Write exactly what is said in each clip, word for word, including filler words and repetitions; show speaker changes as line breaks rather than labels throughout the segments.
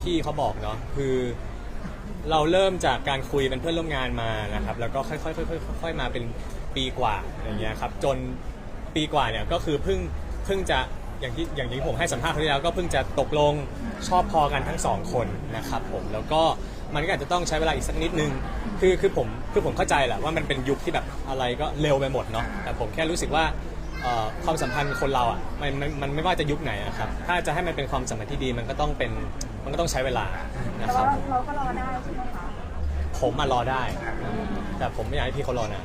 ที่เขาบอกเนาะคือเราเริ่มจากการคุยเป็นเพื่อนร่วมงานมานะครับแล้วก็ค่อยๆค่อยๆค่อยๆมาเป็นปีกว่าอย่างเงี้ยครับจนปีกว่าเนี่ยก็คือเพิ่งเพิ่งจะอย่างที่อย่างที่ผมให้สัมภาษณ์ครั้งที่แล้วก็เพิ่งจะตกลงชอบพอกันทั้งสองคนนะครับผมแล้วก็มันก็อาจจะต้องใช้เวลาอีกสักนิดนึงคือคือผมคือผมเข้าใจแหละว่ามันเป็นยุคที่แบบอะไรก็เร็วไปหมดเนาะแต่ผมแค่รู้สึกว่าความสัมพันธ์คนเราอ่ะมันมันมันไม่ว่าจะยุคไหนนะครับถ้าจะให้มันเป็นความสัมพันธ์ที่ดีมันก็ต้องเป็นมันก็ต้องใช้เวลานะครับ
เราก็รอได้ใช่ไหมคะ
ผมมารอได้แต่ผมไม่อยากให้พี่เขารอนาน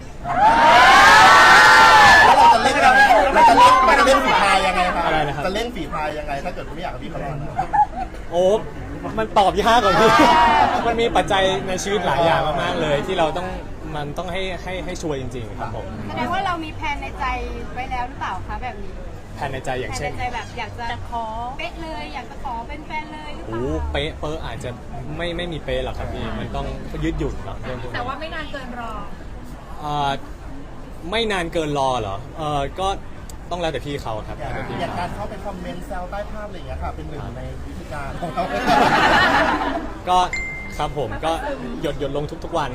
แล้วเราจะเล่นเราจะเล่นเราจะเล่นฝีพายยังไงครับ
อะไรนะครับ
จะเล่นฝีพายยังไงถ้าเกิดไม่อยากให้พี่เขารอนะ
โอ้มันตอบยากกว่าพี่มันมีปัจจัยในชีวิตหลายอย่างมากๆเลยที่เราต้องมันต้องให้ให้ให้ชัวร์จริงๆครับผม
แสดงว่าเรามีแผนในใจไว้แล้วหรือเปล่าคะแบบนี้
แผนในใจอย่างเช่น
แผนในใจแบบอยากจะขอเป๊ะเลยอยากจะขอเป็นแฟนเลยหรือเป
โอ้
ล่า
เป๊ะเป๊ะอาจจะไม่ไม่มีเป๊ะหรอกครับพี่มันต้องยืดหยุ่นเนาะเรื่องพวกนี้
แต่ว่าไม่นานเกินรอ
เอ่อไม่นานเกินรอเหรอเออก็ต้องแล้วแต่พี่เขาครับ
อย่าง
แล้วแต่พี่
อย่าง
เขา
การเข้าไปคอมเมนต์แซวใต้ภาพอะไรอย่างเงี้ยค่ะเป็นหนึ่งในวิธีการของเขา
ก็ครับผมก็หยดหยดลงทุกๆวัน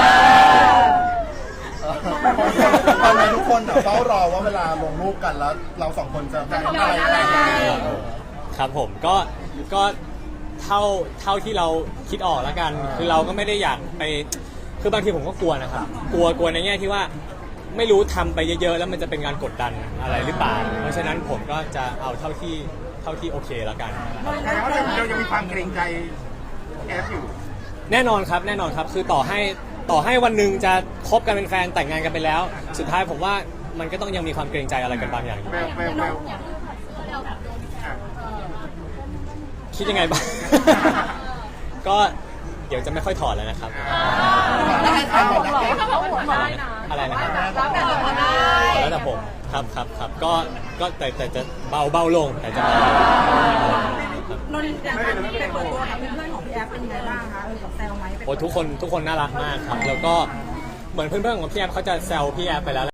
ตอนนี้ทุกคนเฝ้ารอว่าเวลาลงรูปกันแล้วเราสองคนจะทำอะไรอะไร
ครับผมก็ก็เท่าเท่าที่เราคิดออกแล้วกันคือเราก็ไม่ได้อยากไปคือบางทีผมก็กลัวนะครับกลัวกลัวในแง่ที่ว่าไม่รู้ทำไปเยอะๆแล้วมันจะเป็นการกดดันอะไรหรือเปล่าเพราะฉะนั้นผมก็จะเอาเท่าที่เท่าที่โอเคแล้วกัน
แล้วเรายังมีความเกรงใจแอฟอยู่
แน่นอนครับแน่นอนครับคือต่อให้ต่อให้วันหนึ่งจะคบกันเป็นแฟนแต่งงานกันไปแล้วสุดท้ายผมว่ามันก็ต้องยังมีความเกรงใจอะไรกันบางอย่างอยู่คิดยังไงบ้าง ก็เดี๋ยวจะไม่ค่อยถอดแล้วนะครับอะไรนะครับแล้วแต่ผมครับครับครับก็ก็แต่แต่จะเบาเบาลงแต่จะเบาลง
นนท์อย่างการที่ไปเปิดตัวกับเพื่อนๆของพี่แอฟเป็นยังไงบ้างคะเออกับแซวไหม
โอ้ทุกคนทุกคนน่ารักมากครับแล้วก็เหมือนเพื่อนๆของพี่แอฟเขาจะแซวพี่แอฟไปแล้ว